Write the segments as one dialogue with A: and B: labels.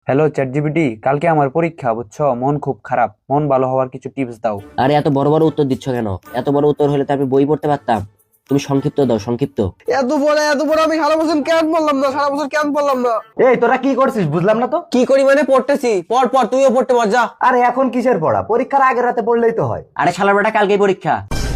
A: Hello chat GPT, কালকে আমার পরীক্ষা বুঝছো, মন খুব খারাপ। মন ভালো হওয়ার কিছু টিপস দাও।
B: আরে এত বড় বড় উত্তর দিচ্ছ কেন? এত বড় উত্তর হলে তো আমি বই পড়তে পারতাম। তুমি সংক্ষিপ্ত দাও, সংক্ষিপ্ত।
C: এত বড় আমি সারা বছর কেন পড়লাম না, সারা বছর কেন পড়লাম না?
D: এই তোরা কি করছিস বুঝলাম না তো।
C: কি করি মানে পড়তেছি, পর পর তুইও পড়তে পার, যা।
D: আরে এখন কিসের পড়া? পরীক্ষার আগের রাতে পড়লেই তো হয়।
B: আরে শালার বেটা, কালকেই পরীক্ষা।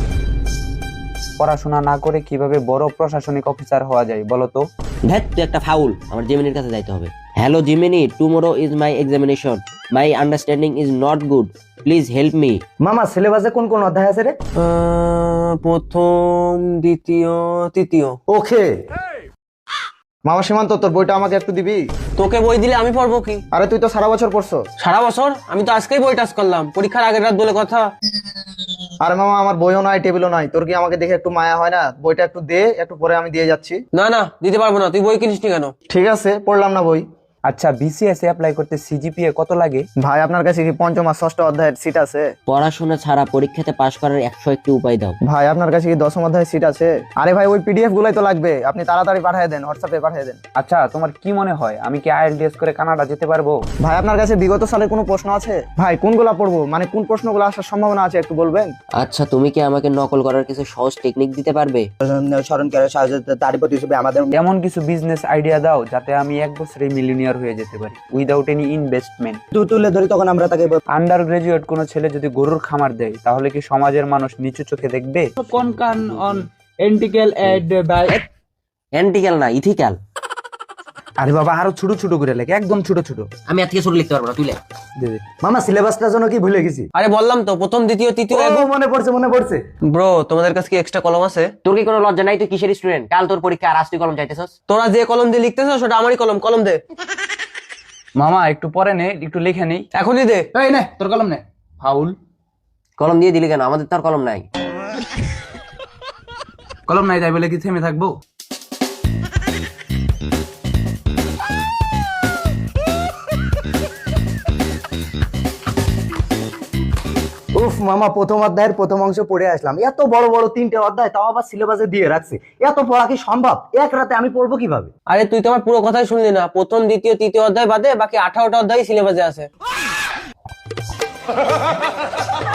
A: পড়াশোনা না করে কিভাবে বড় প্রশাসনিক অফিসার হওয়া যায় বলো তো?
B: ধ্যাত, তুই একটা ফাউল। আমার জিমিনির কাছে যাইতে হবে। Hello Gemini, tomorrow is my examination. My understanding is not good, please help me.
D: মামা সিলেবাসে কোন কোন অধ্যায় আছে রে?
C: প্রথম, দ্বিতীয়, তৃতীয়।
D: ওকে মামা সীমান্ত, তোর বইটা আমাকে একটু দিবি?
C: তোকে বই দিলে আমি পড়বো কি?
D: আরে তুই তো সারা বছর পড়ছো।
C: সারা বছর? আমি তো আজকেই বই টাচ করলাম, পরীক্ষার আগের রাত বলে কথা।
D: আরে মামা আমার বইও নাই, টেবিলও নাই, তোর কি আমাকে দেখে একটু মায়া হয় না? বইটা একটু দে, একটু পরে আমি দিয়ে যাচ্ছি।
C: না না, দিতে পারবো না, তুই বই কিনিসনি কেন?
D: ঠিক আছে, পড়লাম না বই।
A: আচ্ছা, বিসিএস এ অ্যাপ্লাই করতে সিজিপিএ কত লাগে?
D: ভাই আপনার কাছে কি পঞ্চম আর ষষ্ঠ অধ্যায়ের সিট আছে?
B: পড়াশোনা ছাড়া পরীক্ষাতে পাশ করার 101টি উপায় দাও।
D: ভাই আপনার কাছে কি দশম অধ্যায়ের সিট আছে? আরে ভাই ওই পিডিএফ গুলাই তো লাগবে, আপনি তাড়াতাড়ি পাঠিয়ে দেন, হোয়াটসঅ্যাপে পাঠিয়ে দেন।
A: আচ্ছা, তোমার কি মনে হয় আমি কি আইএলটিএস করে কানাডা যেতে পারবো?
D: ভাই আপনার কাছে বিগত সালের কোনো প্রশ্ন আছে? ভাই কোনগুলা পড়বো, মানে কোন প্রশ্নগুলো আসার সম্ভাবনা আছে একটু বলবেন?
B: আচ্ছা, তুমি কি আমাকে নকল করার কিছু সহজ টেকনিক দিতে পারবে?
D: স্মরণকারী সাহায্য তারই প্রতি হিসেবে আমাদের
A: এমন কিছু বিজনেস আইডিয়া দাও যাতে আমি এক বছরে মিলিয়নিয়ার হয়ে যেতে পারি উইদাউট এনি ইনভেস্টমেন্ট।
D: তুলে ধরি, তখন আমরা তাকে
A: আন্ডার গ্রাজুয়েট কোনো ছেলে যদি গরুর খামার দেয় তাহলে কি সমাজের মানুষ নিচু চোখে দেখবে?
E: কোন কান অন এন্টিক্যাল এড বাই
B: অ্যান্টিক্যাল না, ইথিক্যাল।
A: আরে বাবা, আরো ছোট ছোট করে লেখে, একদম ছোট ছোট।
B: আমি এর থেকে ছোট লিখতে পারবো না, তুই লেখ।
A: দে দে।
D: মামা সিলেবাসটার জন্য কি ভুলে গেছি?
C: আরে বললাম তো, প্রথম, দ্বিতীয়, তৃতীয়।
D: মনে পড়ছে মনে পড়ছে।
C: ব্রো, তোমাদের কাছে কি এক্সট্রা কলম আছে?
B: তোর কি কোনো লজ্জা নাই? তুই কিসের স্টুডেন্ট? কাল তোর পরীক্ষা, আর আজ তুই কলম চাইতেছস?
C: তোরা যে কলম দিয়ে লিখতেছ সেটা আমারই কলম, কলম দে।
A: মামা একটু পরে নে, একটু লিখে নেই।
C: এখনই দে।
E: এই নে তোর কলম নে। ফাউল।
B: কলম দিয়ে দিলি কেন? আমাদের তো আর কলম নাই।
A: কলম নাই তাই বলে কি থেমে থাকবো?
D: উফ মামা, প্রথম অধ্যায়ের প্রথম অংশ পড়ে আসলাম, এত বড় বড় তিনটে অধ্যায়, তাও আবার সিলেবাসে দিয়ে রাখছে। এত পড়া কি সম্ভব? এক রাতে আমি পড়বো কিভাবে?
C: আরে তুই তো আমার পুরো কথাই শুনলি না। প্রথম, দ্বিতীয়, তৃতীয় অধ্যায় বাদে বাকি 18টা অধ্যায় সিলেবাসে আছে।